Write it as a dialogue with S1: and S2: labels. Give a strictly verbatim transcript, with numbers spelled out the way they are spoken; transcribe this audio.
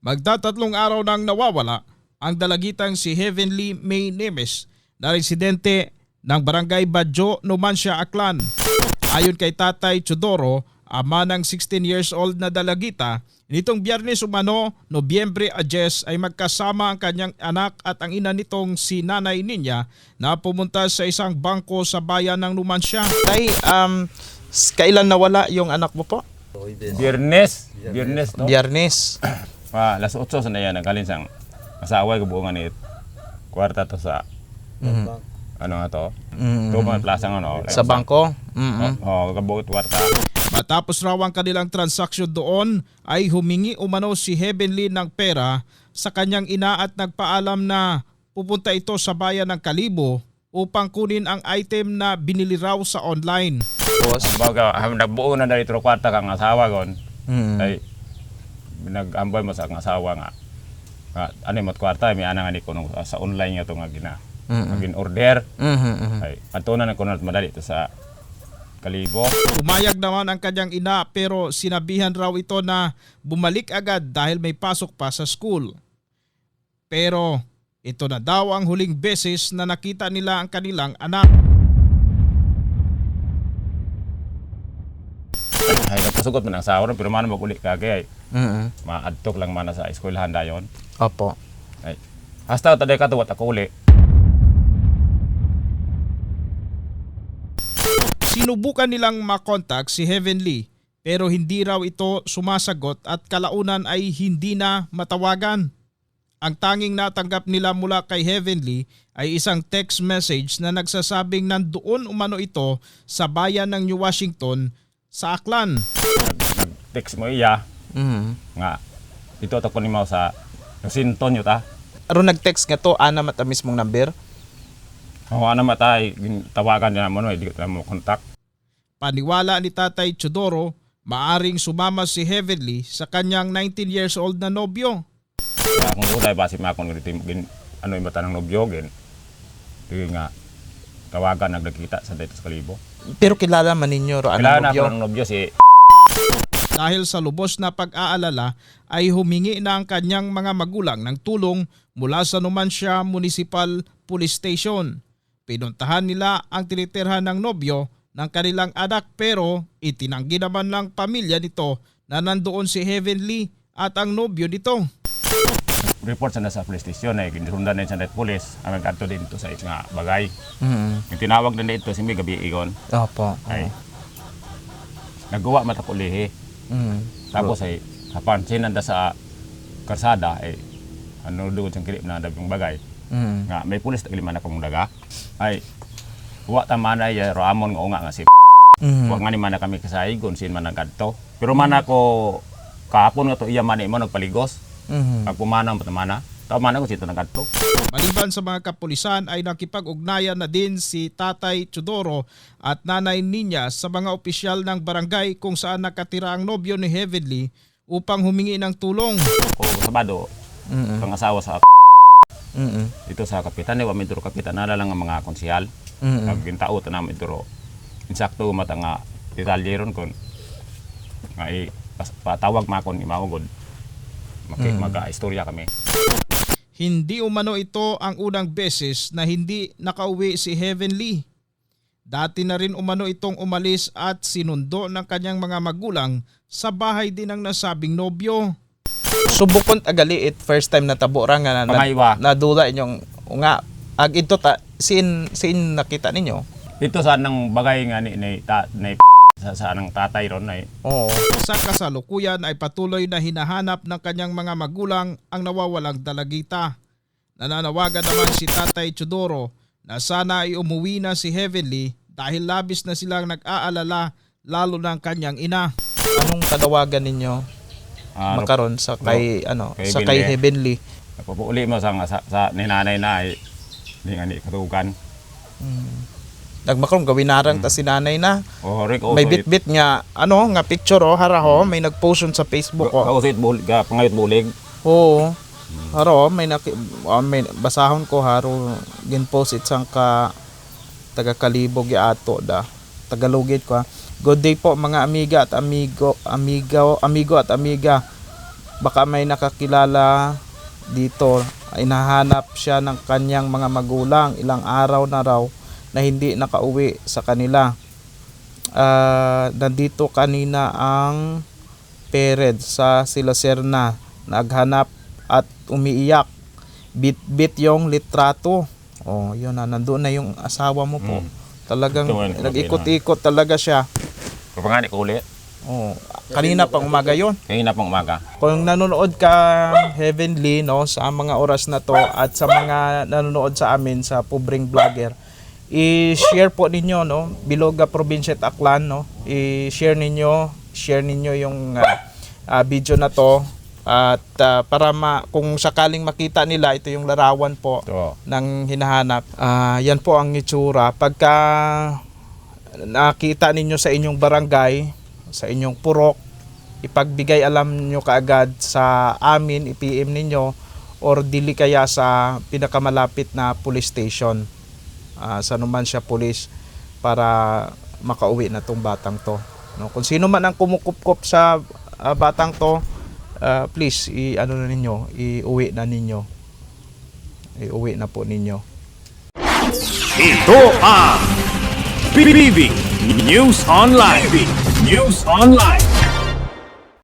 S1: Magtatatlong araw nang nawawala ang dalagitang si Heavenly May Nemes na residente ng Barangay Badjo, Numancia, Aklan. Ayon kay Tatay Chodoro, ama ng sixteen years old na dalagita, nitong Biyernes umano, Nobyembre Ajes ay magkasama ang kanyang anak at ang ina nitong si Nanay Ninya na pumunta sa isang bangko sa bayan ng Numancia.
S2: Tay, um, kailan nawala yung anak mo po?
S3: Biyernes. Biyernes to.
S2: Biyernes.
S3: Pa, alas otso sa na yan, nagkalin sang asawa ko buongan ni kwarta to sa
S2: Mm-hmm.
S3: ano nga to?
S2: Mm-hmm.
S3: To mga plasang ano.
S2: Sa bangko? Mm-hmm.
S3: Oo, oh, kabuot kwarta.
S1: Matapos raw ang kanilang transaksyon doon ay humingi umano si Heavenly ng pera sa kanyang ina at nagpaalam na pupunta ito sa bayan ng Kalibo upang kunin ang item na binili raw sa online.
S2: Tapos?
S3: Baga, nagbuo na dali tro kwarta kang asawa gon.
S2: Mm-hmm.
S3: Ay nag-amboy mo sa kang asawa nga. Nga, ano yung kwarta, may anang ani ko nung, sa online nga ito nga gina.
S2: Mm-hmm.
S3: Maging order.
S2: Mm-hmm.
S3: Ay, antunan na ko na madali ito sa Kalibo.
S1: Umayag naman ang kanyang ina pero sinabihan raw ito na bumalik agad dahil may pasok pa sa school. Pero ito na daw ang huling beses na nakita nila ang kanilang anak.
S3: Ay, nagpasugot mo ng asawa ron, pero man maguli ka kaya
S2: Mm-hmm.
S3: maadtok lang man na sa eskwelahan dayon.
S2: Opo.
S3: Ay, hasta taday ka tuwat ako uli.
S1: Sinubukan nilang makontak si Heavenly pero hindi raw ito sumasagot at kalaunan ay hindi na matawagan. Ang tanging natanggap nila mula kay Heavenly ay isang text message na nagsasabing nandoon umano ito sa bayan ng New Washington sa Aklan.
S3: Nag, nag-text mo iya
S2: Mm-hmm.
S3: nga ito ta kunin mo sa Sinton yun ta.
S2: Aron nag-text nga to, ana mata mismong number?
S3: Oo, ano matay, tawagan niya mo no, hindi ko mo kontak.
S1: Paniwala ni Tatay Chodoro, maaring sumama si Heavenly sa kanyang nineteen years old na nobyo.
S3: Kaya kung ulay basi makon ganito gin ano yung mata ng nobyo gin. Di nga tawagan nagdakita sa dito sa Kalibo.
S2: Pero kilala man ninyo ro
S3: Kailangan
S2: ano
S3: ako
S2: nobyo?
S3: ng nobyo si
S1: Dahil sa lubos na pag-aalala ay humingi na ang kanyang mga magulang ng tulong mula sa Numancia Municipal Police Station. Pinuntahan nila ang tinitirhan ng nobyo ng kanilang anak pero itinanggi naman ng pamilya nito na nandoon si Heavenly at ang nobyo nito.
S3: report sa na sa police station ay ginrundan na sa net police ang nagkanto din to sa nga bagay.
S2: Mm-hmm.
S3: Yung tinawag na dito si may gabi igon
S2: Opo.
S3: ay nagawa mata ko lihi.
S2: Mm-hmm.
S3: Tapos ay kapansin nanda sa karsada ay ano doon sa kilip na dabing bagay.
S2: Mm-hmm.
S3: Nga may pulis na kiliman akong daga ay wa ta man ay roamon nga unga nga si
S2: Mm-hmm.
S3: wa nga ni man na kami kasaigon sin man nagkadto. Pero man ako kahapon nga to iya man mo nagpaligos.
S2: Mm-hmm.
S3: Pag pumana mo tamana, tama na ko sito nagkadto.
S1: Maliban sa mga kapulisan ay nakipag-ugnayan na din si Tatay Chodoro at Nanay Ninya sa mga opisyal ng barangay kung saan nakatira ang nobyo ni Heavenly upang humingi ng tulong.
S3: O Sabado,
S2: Mm-hmm.
S3: pangasawa sa
S2: Mm-hmm.
S3: dito sa kapitan ni wa mi duro kapitan nala lang ang mga konsehal.
S2: Mm-hmm.
S3: Pag gintao ta namin duro. Insakto mata nga detalye ron kon nga i pas- patawag makon imawagod. Maki
S2: Mm.
S3: maga-istorya kami.
S1: Hindi umano ito ang unang beses na hindi nakauwi si Heavenly. Dati na rin umano itong umalis at sinundo ng kanyang mga magulang sa bahay din ng nasabing nobyo.
S2: Subukon agali it first time na tabo ra nga na,
S3: Pamaywa.
S2: na nadula inyong nga ag ito ta sin sin nakita ninyo.
S3: Dito sa nang bagay nga ni, ni, ta, ni sa, sa anang tatay ron ay
S2: Oo.
S1: Sa kasalukuyan ay patuloy na hinahanap ng kanyang mga magulang ang nawawalang dalagita. Nananawagan naman si Tatay Chodoro na sana ay umuwi na si Heavenly dahil labis na silang nag-aalala lalo ng kanyang ina.
S2: Anong panawagan ninyo
S3: ah,
S2: makaron sa kay ano
S3: kay
S2: sa kay Heavenly?
S3: Napapuuli mo sa, sa, sa ninanay na ay di nga ni katugan.
S2: Mm. Nagmakaron gawin narang ta si nanay na.
S3: O Rick also
S2: May bit-bit nga ano nga picture oh hara ho may nag-post yun sa Facebook oh.
S3: Ako sa bulig, ga pangayot bulig.
S2: Oo. Haro may naki, ah, may basahon ko haro gin-post it sang ka taga Kalibog ya ato da. Tagalogit ko ha. Good day po mga amiga at amigo, amigo, amigo at amiga. baka may nakakilala dito. Inahanap siya ng kanyang mga magulang, ilang araw na raw na hindi nakauwi sa kanila. Ah, nandito kanina ang parents sa sila Serna, naghanap at umiiyak. Bit-bit yung litrato. Oh, yun na, nandoon na yung asawa mo po.
S3: Mm.
S2: Talagang
S3: Ito, ano,
S2: nag-ikot-ikot talaga siya.
S3: Kapangani ko ulit.
S2: Oh, kanina pang umaga yun.
S3: Kanina pang umaga.
S2: Kung nanonood ka, Heavenly, no, sa mga oras na to at sa mga nanonood sa amin sa Pobreng Vlogger, i-share po ninyo, no, Biloga Provincia at Aklan, no, i-share ninyo, share ninyo yung uh, uh, video na to at uh, para ma, kung sakaling makita nila, ito yung larawan po
S3: Ito.
S2: ng hinahanap. Ah, yan po ang itsura. Pagka nakita ninyo sa inyong barangay, sa inyong purok, ipagbigay alam nyo kaagad sa amin, i-P M ninyo or dili kaya sa pinakamalapit na police station. Ah, sa naman siya police para makauwi na tong batang to. No, kung sino man ang kumukupkop sa ah, batang to, ah, please i ano na ninyo, iuwi na ninyo. Iuwi na po ninyo.
S4: Ito ang P B B News Online. News Online.